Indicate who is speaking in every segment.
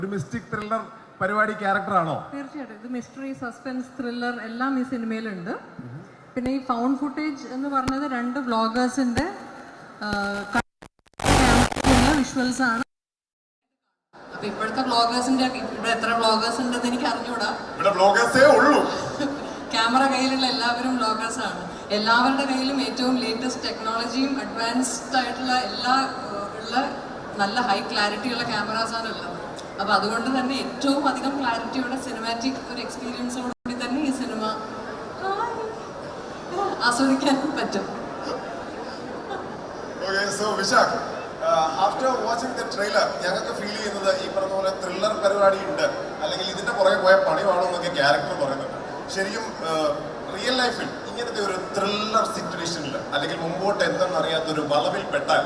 Speaker 1: ഒരു mystic thriller പരിപാടി ക്യാരക്ടറാണോ?
Speaker 2: തീർച്ചയായിട്ടും ഇത് മിസ്റ്ററി, സസ്പെൻസ്, ത്രില്ലർ എല്ലാം ഈ സിനിമയിലുണ്ട്. പിന്നെ ഈ ഫൗണ്ട് ഫുട്ടേജ് എന്ന് പറഞ്ഞത് 2 വ്ളോഗേഴ്സിന്റെ വിഷ്വൽസ് ആണ്.
Speaker 3: അപ്പൊ ഇപ്പോഴത്തെ വ്ളോഗേഴ്സിന്റെ ഇവിടെ എത്ര വ്ളോഗേഴ്സ് ഉണ്ടെന്ന് എനിക്ക് അറിഞ്ഞൂടാ.
Speaker 1: ഇവിടെ വ്ളോഗേഴ്സേ ഉള്ളൂ.
Speaker 3: ക്യാമറ കയ്യിലുള്ള എല്ലാവരും വ്ളോഗേഴ്സ് ആണ്. എല്ലാവരുടെ കയ്യിലും ഏറ്റവും ലേറ്റസ്റ്റ് ടെക്നോളജിയും അഡ്വാൻസ്ഡ് ആയിട്ടുള്ള എല്ലാ ഉള്ള നല്ല ഹൈ ക്ലാരിറ്റിയുള്ള ക്യാമറാസാണ് ഉള്ളത്. അപ്പോൾ അതുകൊണ്ട് തന്നെ ഏറ്റവും അധികം ക്ലാരിറ്റിയുടെ സിനിമാറ്റിക് ഒരു എക്സ്പീരിയൻസോടുകൂടി തന്നെ ഈ സിനിമ ആസ്വദിക്കാൻ പറ്റും.
Speaker 1: ആഫ്റ്റർ വാച്ചിങ് ദ ട്രെയിലർ ഞങ്ങൾക്ക് ഫീൽ ചെയ്യുന്നത് ഈ പറഞ്ഞ പോലെ ത്രില്ലർ പരിപാടി ഉണ്ട്, അല്ലെങ്കിൽ ഇതിന്റെ പുറകെ പോയ പണിവാണോ എന്നൊക്കെ ക്യാരക്ടർ പറയുന്നുണ്ട്. ശരിക്കും റിയൽ ലൈഫിൽ ഇങ്ങനത്തെ ഒരു ത്രില്ലർ സിറ്റുവേഷനിൽ അല്ലെങ്കിൽ മുമ്പോട്ട് എന്തെന്നറിയാത്തൊരു വളവിൽ പെട്ടാൽ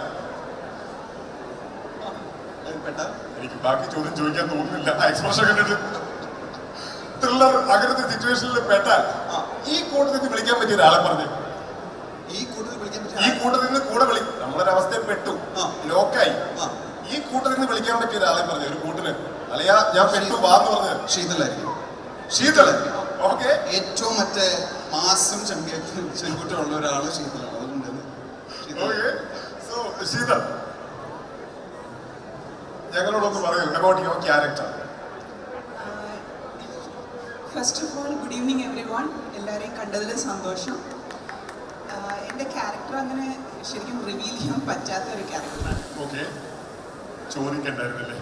Speaker 1: എനിക്ക് ബാക്കി ചോദ്യം ചോദിക്കാൻ തോന്നുന്നില്ല. എക്സ്പ്രഷൻ കണ്ടിട്ട് ത്രില്ലർ അങ്ങനത്തെ സിറ്റുവേഷനിൽ പെട്ടാൽ ഈ കൂട്ടത്തിൽ നിന്ന് വിളിക്കാൻ പറ്റിയ ഒരാളെ പറഞ്ഞു. ഈ കൂട്ടത്തിൽ നിന്ന് കൂടെ നമ്മളൊരവസ്ഥയിൽ പെട്ടു, ലോക്കായി. ഈ കൂട്ടത്തിൽ നിന്ന് വിളിക്കാൻ പറ്റിയ ഒരാളെ പറഞ്ഞു, ഒരു കൂട്ടിന് അല്ലയാ ഞാൻ പെട്ടു വാന്ന് പറഞ്ഞത്
Speaker 4: ശീതളായിരിക്കും.
Speaker 1: ഓക്കെ,
Speaker 4: ഏറ്റവും മറ്റേ മാസം ചെങ്കുറ്റുള്ള ഒരാള് ശീതളാണ്.
Speaker 1: ശീതൾ, ഞങ്ങളോടൊന്ന് പറയൂ about your character.
Speaker 5: First of all good evening everyone. എല്ലാവരെയും കണ്ടതിൽ സന്തോഷം. എൻ്റെ ക്യാരക്ടർ അങ്ങനെ ശരിക്കും റിവീൽ ചെയ്യാൻ പറ്റാത്ത ഒരു ക്യാരക്ടറാണ്.
Speaker 1: ഓക്കെ, ചോദിക്കണ്ടായിരുന്നല്ലേ.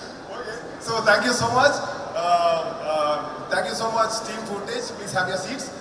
Speaker 1: So thank you so much. Thank you so much, Team Footage. Please have your seats.